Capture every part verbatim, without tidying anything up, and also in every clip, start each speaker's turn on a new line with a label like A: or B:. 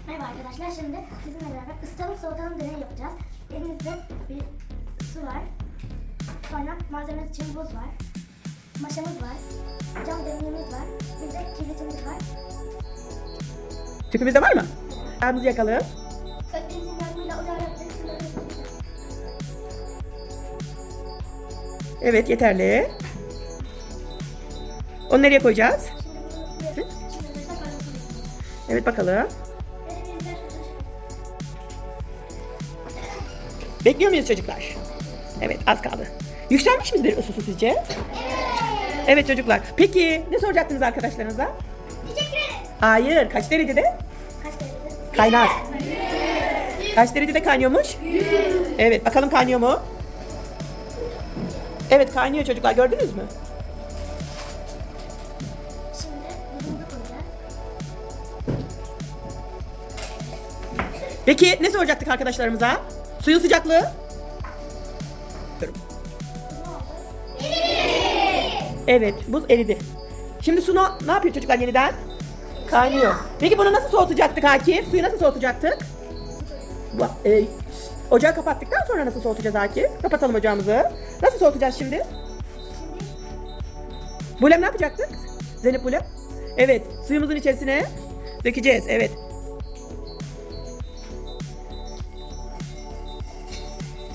A: Merhaba arkadaşlar, şimdi sizinle beraber ısıtalım soğutalım deney yapacağız. Elimizde bir su var, sonra malzememiz için buz var, maşamız var, cam demliğimiz var, bir de kibritimiz var.
B: Tüpümüz de var mı? Yağımızı yakalım.
A: Öğretmenimizin yardımıyla ocağı yaptık.
B: Evet, yeterli. Onu nereye koyacağız?
A: Şimdi bunu şimdi mesela paylaşalım.
B: Evet, bakalım.
A: Evet, elimizde arkadaşlar.
B: Bekliyor muyuz çocuklar? Evet, az kaldı. Yükselmiş midir ısısı sizce? Evet. Evet çocuklar. Peki ne soracaktınız arkadaşlarınıza?
A: Teşekkür ederim.
B: Hayır. Kaç derecede?
A: Kaç derecede?
B: Kaynar. Kaç derecede kaynıyormuş? Evet, bakalım kaynıyor mu? Evet, kaynıyor çocuklar. Gördünüz mü?
A: Şimdi buzumuzu koyacağız.
B: Peki ne soracaktık arkadaşlarımıza? Suyun sıcaklığı?
A: Ne oldu?
B: Evet, buz eridi. Şimdi su no- ne yapıyor çocuklar yeniden? Kaynıyor. Peki bunu nasıl soğutacaktık Akif? Suyu nasıl soğutacaktık? Bu- e, ocağı kapattıktan sonra nasıl soğutacağız Akif? Kapatalım ocağımızı. Nasıl soğutacağız şimdi? Bulem ne yapacaktık? Zeynep Bulem. Evet, suyumuzun içerisine dökeceğiz. Evet.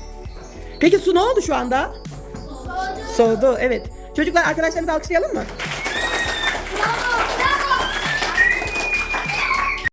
B: Peki su ne oldu şu anda?
A: Soğudu.
B: Soğudu, evet. Çocuklar arkadaşlarımızı alkışlayalım mı?